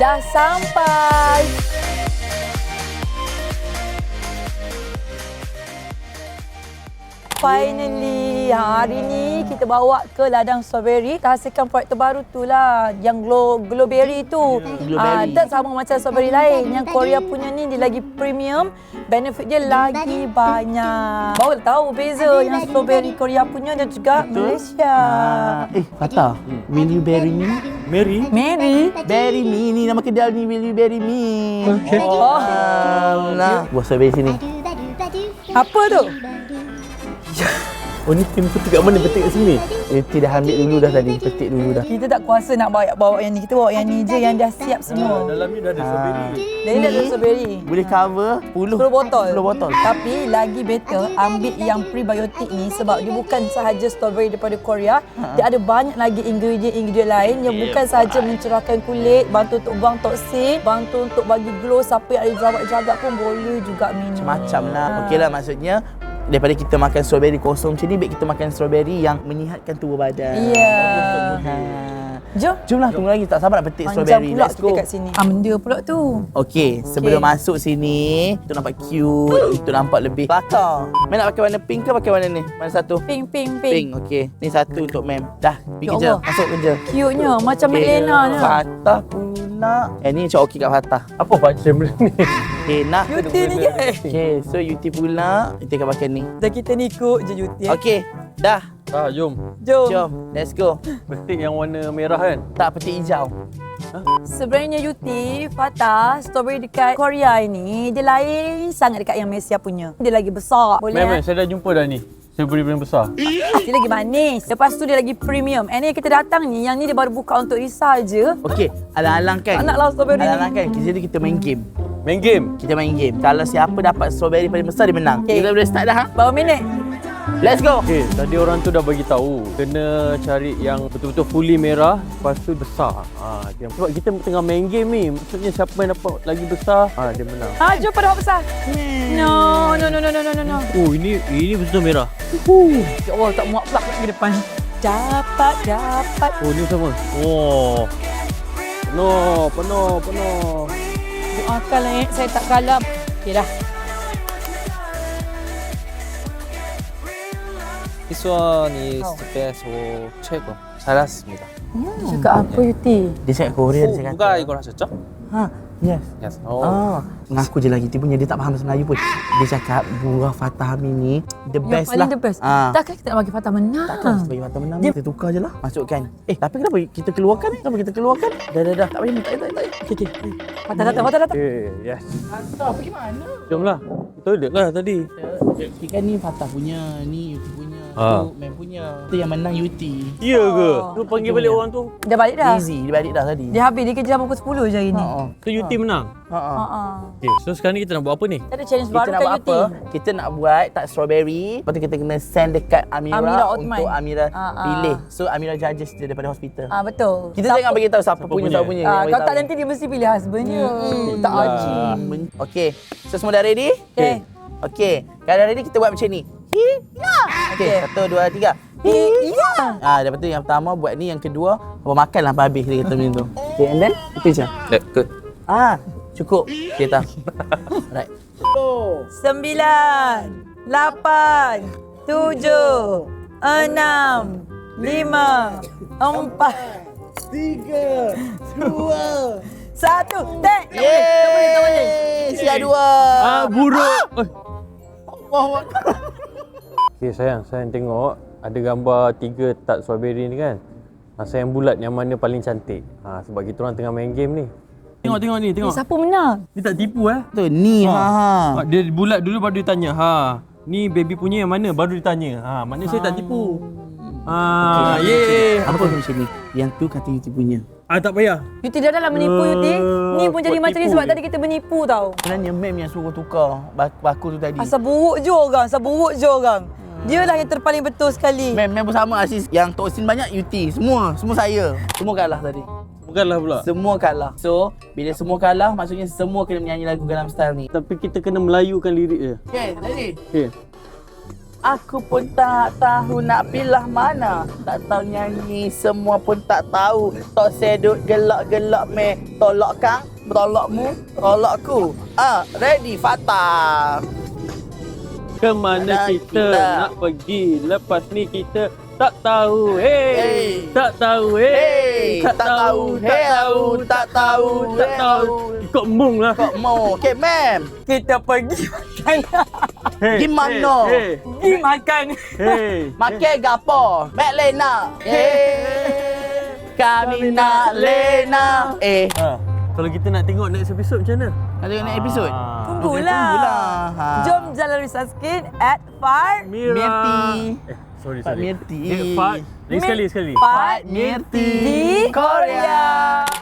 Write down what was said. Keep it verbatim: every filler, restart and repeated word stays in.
dah sampai. Finally, hari ni kita bawa ke ladang strawberry. Kita hasilkan produk terbaru tu lah, yang glow glowberry tu. Ah, tak sama macam strawberry lain. Yang Korea punya ni dia lagi premium, benefit dia lagi banyak. Baru tahu beza yang strawberry Korea punya dan juga Malaysia. Ah, eh, Fatah, will you bury me? Mary? Mary, Bury me, ni nama kedai ni, will you bury me? Okay. Oh, nah. Buah strawberry sini. apa tu? Oh, ni tim petik kat mana? Petik kat sini? Yuti dah ambil dulu dah tadi, petik dulu dah. Kita tak kuasa nak bawa bawa yang ni. Kita bawa yang ni je yang dah siap semua. Dalam ni dah ada strawberry. Dan ni dah ada strawberry. Boleh cover sepuluh sepuluh botol. sepuluh botol. Tapi lagi better ambil yang prebiotik ni sebab dia bukan sahaja strawberry daripada Korea. Ha. Dia ada banyak lagi ingredient-ingredient lain yang bukan sahaja mencerahkan kulit, bantu untuk buang toksin, bantu untuk bagi glow. Siapa yang ada jerawat-jerawat pun boleh juga minum. Macam-macam lah. Okeylah, maksudnya daripada kita makan strawberry kosong macam ni, baik kita makan strawberry yang menyihatkan tubuh badan. Ya. Yeah. Ha. Jom. Jomlah, tunggu lagi. Tak sabar nak petik Panjang strawberry. pula Let's kita go. kat sini. Ah, benda pula tu. Okey, sebelum Okey. masuk sini, itu nampak cute, itu nampak lebih bakar. Mem nak pakai warna pink ke pakai warna ni? Mana satu? Pink, pink, Pink, pink. okey. Ni satu untuk Mem. Dah, pergi Ya kerja. Allah. Masuk kerja. Cute-nya. Macam Okey. Madlena ni. Fatah pula. Eh, ni macam okey kat Fatah. Apa macam ni? Okey, nak. Yuti ni ke? Okey, so Yuti pula, kita akan pakai ni. Dan kita ni ikut je Yuti. Okey, dah. Ah, jom. Jom. Jom, let's go. Petik yang warna merah kan? Tak, petik hijau. Sebenarnya Yuti, Fatah, strawberry dekat Korea ini dia lain sangat dekat yang Malaysia punya. Dia lagi besar. Boleh Memang, eh? saya dah jumpa dah ni. Strawberry paling besar. Dia lagi manis. Lepas tu dia lagi premium. And ni kita datang ni, yang ni dia baru buka untuk risal je. Okey, alang-alang kan? Tak naklah strawberry ni. Alang-alang kan? Jadi kita main game. Main game? Kita main game. Kalau siapa dapat strawberry paling besar, dia menang. Okey. Kita boleh start dah, ha? Berapa minit? Let's go! Okey, tadi orang tu dah bagi tahu kena cari yang betul-betul fully merah, lepas tu besar. Ha, dia. Sebab kita tengah main game ni, maksudnya siapa yang dapat lagi besar, ha, dia menang. Ha, jom pada besar. No, no, no, no, no, no, no, no. Oh, ini ini betul merah. Ya Allah, tak muak pula ke depan. Dapat, dapat. Oh, ni sama. Oh. Penuh, penuh, penuh. Doakan lah, eh. Saya tak kalah. Okey dah. This one is the best for 최고. 잘했습니다. Hmm. Cakap apa Yuti? Dia cakap Korea, dia cakap. 누가 이걸 하셨죠? Ha, yes. Yes. Oh. Mengaku je lagi, tipunya dia tak faham bahasa Melayu pun. Dia cakap buah Fatah Amin ni the Yang best paling lah. the best. Ah. Takkan kita nak bagi Fatah menang? Takkan kita bagi Fatah menang. Kita tukar je lah. Masukkan. Eh, tapi kenapa kita keluarkan? Kenapa kita keluarkan? Dah, dah, dah. Tak payah, tak payah, tak payah. Okey, okey. Fatah datang, Fatah datang. Okay, yes. Fatah, pergi mana? Jomlah. Toilet lah tadi. Okey, kan ni Fatah punya, ni Yuti punya, Ah. tu Mem punya. Tu yang menang Yuti. Ya ke? Oh. Tu panggil balik orang tu. Dia balik dah. Easy, dia balik dah tadi. Dia habis, dia kerja sampai pukul sepuluh je hari ni. Ha. Tu Yuti menang. Ha. Ha. Ha ah. Okay, so sekarang ni kita nak buat apa ni? Kita ada challenge Kita baru nak kat buat Yuti. apa? Kita nak buat tak strawberry. Lepas tu kita kena send dekat Amira, Amira Othman. untuk Amira Ah, ah. pilih. So Amira judges dia daripada hospital. Ah betul. Kita jangan bagi tahu siapa, punya, punya? siapa punya. Ah, Jangan kalau bagi tak tahu. nanti dia mesti pilih husbandnya. Hmm, Tak lah. aji. Men- Okey. So semua dah ready? Okey. Okey. Kalau dah ready kita buat macam ni. Hi, ya. Okey, Okey. satu, dua, tiga. Hi, ya. Ah, lepas tu yang pertama buat ni, yang kedua apa makanlah sampai habis dia kata macam tu. Okey, and then itu je. 네, 끝. Ah, cukup. Kita. Right. Sembilan, lapan, tujuh, enam, lima, empat, Tiga, dua, satu. Tek. Tak boleh, tak boleh, tak boleh. Siap dua. Ah, buruk. Eh. Allahu Akbar. Okay, sayang. Sayang tengok ada gambar tiga tak strawberry ni kan. Ha, sayang bulat yang mana paling cantik. Ha, sebab kita orang tengah main game ni. Tengok, tengok ni, Eh, tengok. siapa menang? Dia tak tipu eh. Tu ni ha. Ha, dia bulat dulu baru dia tanya. Ha, ni baby punya yang mana? Baru dia tanya. Ha, maknanya saya tak tipu. Ha, ye. Apa kau macam ni? Yang tu kata Yuti punya. Ah, tak payah. Yuti dah dalam menipu Yuti. Ni pun buat jadi macam ni tipu sebab je. tadi kita menipu tau. Sebenarnya Mem yang suruh tukar bak- baku tu tadi. Asal buruk je orang, asal buruk je orang. Dia lah yang terpaling betul sekali. Mem, Mem pun sama Aziz. Yang toksin banyak Yuti. Semua, semua saya. Semua kalah tadi. Bukanlah pula. Semua kalah. So, bila semua kalah, maksudnya semua kena menyanyi lagu Gangnam Style ni. Tapi kita kena melayukan lirik dia. Okay, ready? Okay. Aku pun tak tahu nak pilih mana. Tak tahu nyanyi, semua pun tak tahu. Tok sedut gelak-gelak me. Tolak kang, tolakmu, tolakku. Ah, ready, Fatah. Kemana Mana kita, kita? nak pergi? Lepas ni kita tak tahu. Hey, Hey. tak tahu. Hey, Hey, tak tahu, hey, tahu, tak tahu, tak hey, tahu. tahu. Ikut mung lah. Kok mau? Okay, ma'am. Kita pergi makan. Hey, Gimana? Hey, Pergi makan. hey, Makan gapo? Mek Lena. Eh, kami nak Lena. Eh, Ha. Kalau kita nak tengok next episode macam mana? ada next episode? Ah. Tunggulah. tunggulah. Ha. Jom jalan Risau Skin at Far Mira. Mirti. Eh, sorry, Pak sorry. Mirti. Eh, Fat. Lagi sekali, sekali. Fat Mirti. di Korea.